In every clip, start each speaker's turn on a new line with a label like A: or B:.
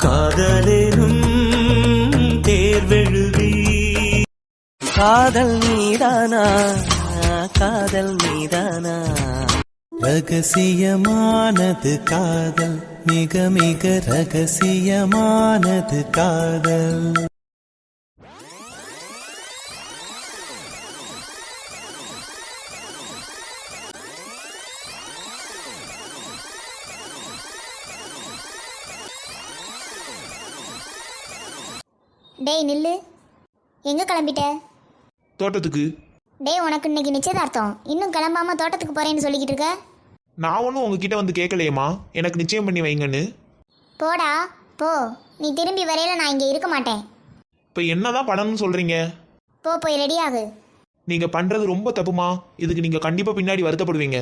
A: காதலேனும் தேர்வெழுதி காதல் மீதானா காதல் மீதானா ரகசியமானது காதல் மிக மிக ரகசியமானது காதல்.
B: டேய் நில்லு, எங்க கிளம்பிட்ட?
C: தோட்டத்துக்கு.
B: டேய் உனக்கு இன்னைக்கு நிச்சயதார்த்தம், இன்னும் கிளம்பாம தோட்டத்துக்கு போறேன்னு சொல்லிக்கிட்டு இருக்க.
C: நான் ஒன்றும் உங்ககிட்ட வந்து கேட்கலையேம்மா எனக்கு நிச்சயம் பண்ணி வைங்கன்னு.
B: போடா போ, நீ திரும்பி வரையில நான் இங்கே இருக்க மாட்டேன்.
C: இப்போ என்னதான் பண்ணணும்னு சொல்றீங்க?
B: போ போய் ரெடி ஆகு.
C: நீங்க பண்றது ரொம்ப தப்புமா, இதுக்கு நீங்க கண்டிப்பா பின்னாடி வருத்தப்படுவீங்க.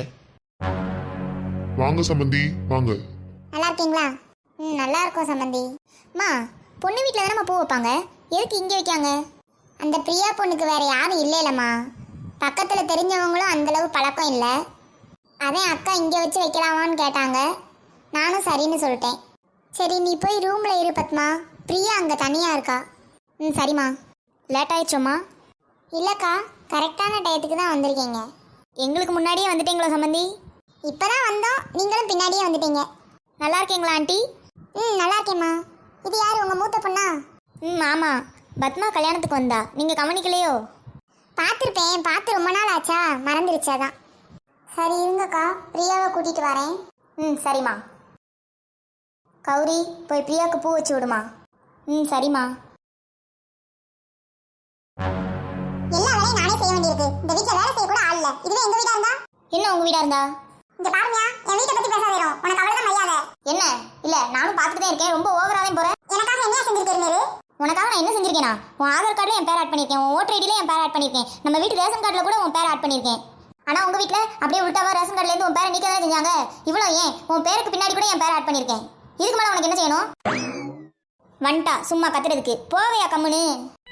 D: வாங்க சம்பந்தி வாங்க.
B: நல்லா இருக்கீங்களா? நல்லா இருக்கோம் சம்பந்தி. மா, பொண்ணு வீட்டில் தானே பூ வைப்பாங்க, எதுக்கு இங்கே வைக்காங்க? அந்த பிரியா பொண்ணுக்கு வேற யாரும் இல்லைலம்மா, பக்கத்தில் தெரிஞ்சவங்களும் அந்தளவு பழக்கம் இல்லை. அதான் அக்கா இங்கே வச்சு வைக்கலாமான்னு கேட்டாங்க, நானும் சரின்னு சொல்லிட்டேன். சரி நீ போய் ரூமில் இரு பத்மா, பிரியா அங்கே தனியாக இருக்கா. சரிம்மா. லேட் ஆயிடுச்சோம்மா? இல்லைக்கா, கரெக்டான டயத்துக்கு தான் வந்திருக்கீங்க. எங்களுக்கு முன்னாடியே வந்துட்டீங்களா சம்பந்தி? இப்போ தான் வந்தோம், நீங்களும் பின்னாடியே வந்துட்டீங்க. நல்லா இருக்கீங்களா ஆண்டி? நல்லா இருக்கேம்மா. இது யார், உங்கள் மூத்த பொண்ணா? ஆமாம், பத்மா கல்யாணத்துக்கு வந்தா, நீங்கள் கவனிக்கலையோ? பார்த்துருப்பேன், பார்த்து ரொம்ப நாள் ஆச்சா, மறந்துருச்சாதான். சரி இருங்கக்கா, பிரியாவை கூட்டிகிட்டு வரேன். சரிம்மா. கௌரி, போய் பிரியாவுக்கு பூ வச்சு விடுமா. சரிம்மா. எல்லா வேலையும் நானே செய்ய வேண்டியிருக்கு, இந்த வீட்டில் வேலை செய்ய கூட ஆள் இல்லை. இதுவே எங்கள் வீடாக இருந்தா? என்ன உங்கள் வீடாக இருந்தா? இங்க பாருங்க, என் வீட்டை பத்தி பேச வேணும், உனக்கு அவ்வளவுதான் மரியாதை. என்ன? இல்ல நானும் பார்த்துட்டு தான் இருக்கேன், ரொம்ப ஓவராவே போறேன். எனக்காக என்ன செஞ்சிருக்கீங்க? உனக்காக நான் என்ன செஞ்சிருக்கேனா? உன் ஆதார் கார்டுல என் பேர் ஆட் பண்ணிருக்கேன், உன் ஓட்டர் ஐடில என் பேர் ஆட் பண்ணிருக்கேன், நம்ம வீட்டு ரேஷன் கார்டுல கூட உன் பேர் ஆட் பண்ணிருக்கேன். ஆனா உங்க வீட்ல அப்படியே உள்டாவா ரேஷன் கார்டுல இருந்து உன் பேரை நீக்க தான் செஞ்சாங்க. இவ்வளவு ஏன், உன் பேருக்கு பின்னாடி கூட என் பேர் ஆட் பண்ணிருக்கேன். இதுக்கு மேல உனக்கு என்ன செய்யணும்? வந்துட்டா சும்மா கத்துறதுக்கு, போவையா கம்முன்னு.